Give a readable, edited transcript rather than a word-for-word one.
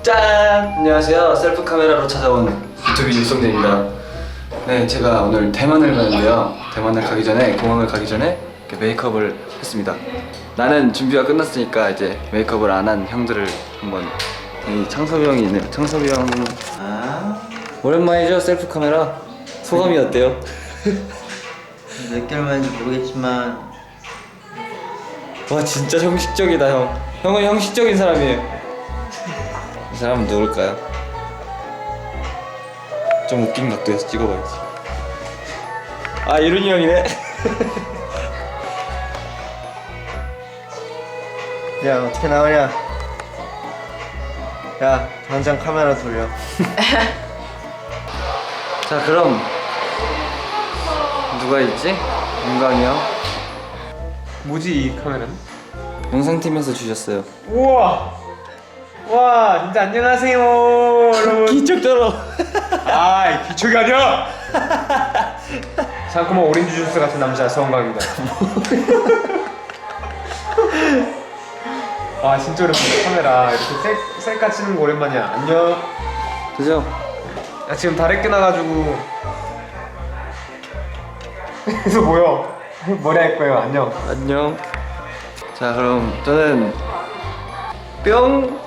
짠! 안녕하세요. 셀프 카메라로 찾아온 유튜브 윤성재입니다. 네, 제가 오늘 대만을 가는데요. 대만을 가기 전에, 공항을 가기 전에 이렇게 메이크업을 했습니다. 나는 준비가 끝났으니까 이제 메이크업을 안 한 형들을 한번. 이 창섭이 형이 있네요. 창섭이 형. 오랜만이죠, 셀프 카메라. 소감이 어때요? 몇 개월 만인지 모르겠지만 와, 진짜 형식적이다, 형. 형은 형식적인 사람이에요. 이 사람은 누굴까요? 좀 웃긴 각도에서 찍어봐야지. 아, 이룬이 형이네. 야 어떻게 나오냐? 야 당장 카메라 돌려. 자, 그럼 누가 있지? 윤광이 형. 뭐지 이 카메라는? 영상팀에서 주셨어요. 우와! 와 진짜 안녕하세요 여러분. 기적처럼. 아 기척이 아니야! 상큼한 오렌지 주스 같은 남자 서원광입니다. 아 진짜 오랜만이야. 카메라 이렇게 셀카 치는 거 오랜만이야. 안녕. 그죠? 야 지금 다래 끊어가지고 그래서 뭐요? 머리 할 거예요. 안녕. 안녕. 자, 그럼 저는 뿅.